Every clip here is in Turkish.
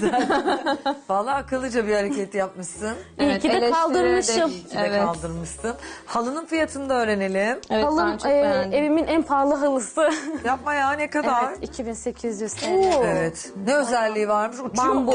güzel. Vallahi akıllıca bir hareket yapmışsın. İyi ki de eleştirileri kaldırmışım. İyi ki de kaldırmışsın. Halının fiyatını da öğrenelim. Evet, Halım ben çok beğendim. evimin en pahalı halısı. Yapma ya, ne kadar? Evet, 2800 TL. Evet. Ne özelliği varmış? Uçuyor Bambu. mu?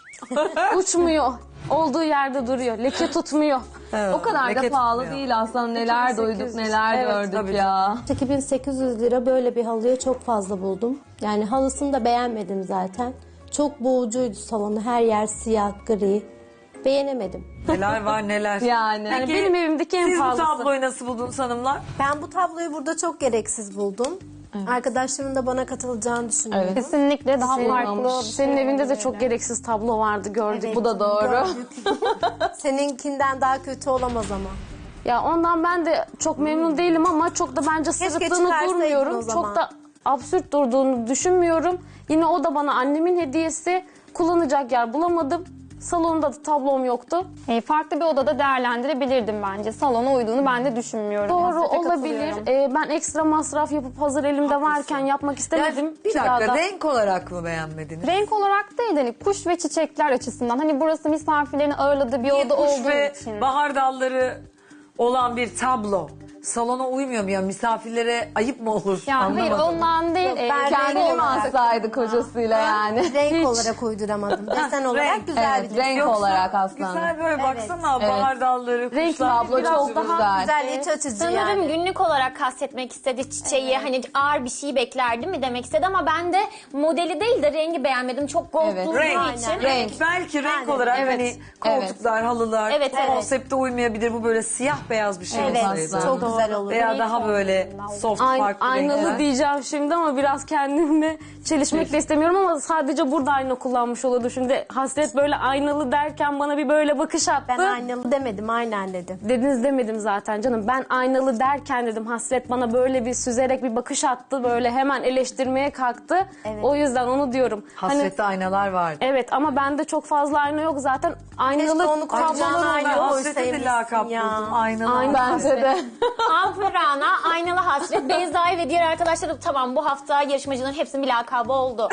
Uçmuyor. Olduğu yerde duruyor. Leke tutmuyor. Evet, O kadar da leke pahalı tutmuyor. değil aslında. Neler 2800. duyduk, neler Evet, gördük tabii ya. 2800 lira böyle bir halıya çok fazla buldum. Yani halısını da beğenmedim zaten. Çok boğucuydu salonu. Her yer siyah, gri. Beğenemedim. Neler var neler. Yani. Yani benim evimdeki en Siz bu pahalısı. tabloyu nasıl buldunuz hanımlar? Ben bu tabloyu burada çok gereksiz buldum. Arkadaşlarımın da bana katılacağını düşünüyorum. Evet. Kesinlikle daha Olmamış. farklı. Senin evinde de çok gereksiz tablo vardı, gördük. Evet, Bu da doğru. gördük. Seninkinden daha kötü olamaz ama. Ya ondan ben de çok memnun değilim ama çok da bence sırıttığını çıkarsaydın o durmuyorum. zaman. Çok da absürt durduğunu düşünmüyorum. Yine o da bana annemin hediyesi. Kullanacak yer bulamadım. Salonda da tablom yoktu. Farklı bir odada değerlendirebilirdim bence. Salona uyduğunu ben de düşünmüyorum. Doğru Hasrete olabilir. katılıyorum. Ben ekstra masraf yapıp hazır elimde varken yapmak istemedim. Yani bir dakika, renk olarak mı beğenmediniz? Renk olarak değil hani kuş ve çiçekler açısından. Hani burası misafirlerin ağırladığı bir Bir oda kuş olduğu ve için. bahar dalları olan bir tablo salona uymuyor mu ya? Misafirlere ayıp mı olur? Yani hayır Anlamadım. ondan değil. ben Kendini renk mi olarak- alsaydı kocasıyla yani? Renk olarak uyduramadım. Desen olarak renk. güzel Evet, bir renk Yoksa olarak aslında. Güzel böyle baksana, Evet. bahar dalları, Renk kuşlar. tablo Tablo çok güzel. güzel, iç açıcı Sanırım yani. günlük olarak kastetmek istedi çiçeği. Hani ağır bir şey beklerdim mi demek istedi ama ben de modeli değil de rengi beğenmedim. Çok gold Evet. durduğu Renk. için. Renk. Belki renk olarak Evet. hani koltuklar, halılar Evet, evet. konsepte uymayabilir. Bu böyle siyah beyaz bir şey Evet. olsaydı. Çok güzel olur. Veya daha böyle soft farklı Aynalı renkler. diyeceğim şimdi ama biraz kendimle çelişmek de istemiyorum ama sadece burada ayna kullanmış olurdu. Şimdi Hasret böyle aynalı derken bana bir böyle bakış attı. Ben aynalı demedim, aynen dedim. Dediniz demedim zaten canım. Ben aynalı derken dedim Hasret bana böyle bir süzerek bir bakış attı. Böyle hemen eleştirmeye kalktı. Evet. O yüzden onu diyorum. Hani, Hasrette aynalar vardı. evet ama bende çok fazla ayna yok zaten. Aynalı Keşke onu koyacağına tablolarım ayna Ben yok. Hasret'e de koysaymışsın lakap ya. buldum. Aynalar. Aynen. Bence de. Alpurana, Aynalı Hasret, Beyza'yı ve diğer arkadaşlarım tamam bu hafta yarışmacıların hepsinin bir lakabı oldu.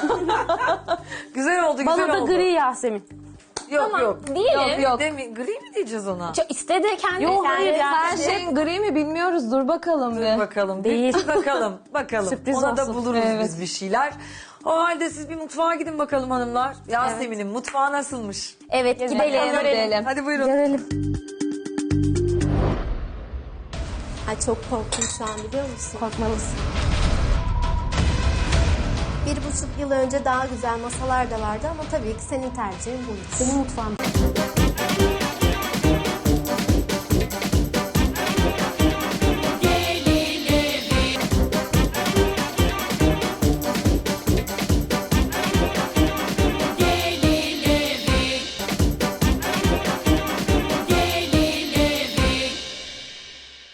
Güzel oldu, güzel Bana da oldu. gri Yasemin. Yok yok. Diyelim. Yok. Gri mi diyeceğiz ona? Çok istedi kendi. Yok, hayır ya. Her şeyin gri mi bilmiyoruz. Dur bakalım bir. Bakalım. Değil. Bir bakalım. Bakalım. Sürpriz Ona da olsun. buluruz Evet. biz bir şeyler. O halde siz bir mutfağa gidin bakalım hanımlar. Yasemin'in mutfağı nasılmış? Evet gidelim. Gidelim. Hadi buyurun. Görelim. Ay çok korktum şu an, biliyor musun? Korkmalısın. 1,5 yıl önce daha güzel masalar da vardı ama tabii ki senin tercihin buydu. Benim mutfağım.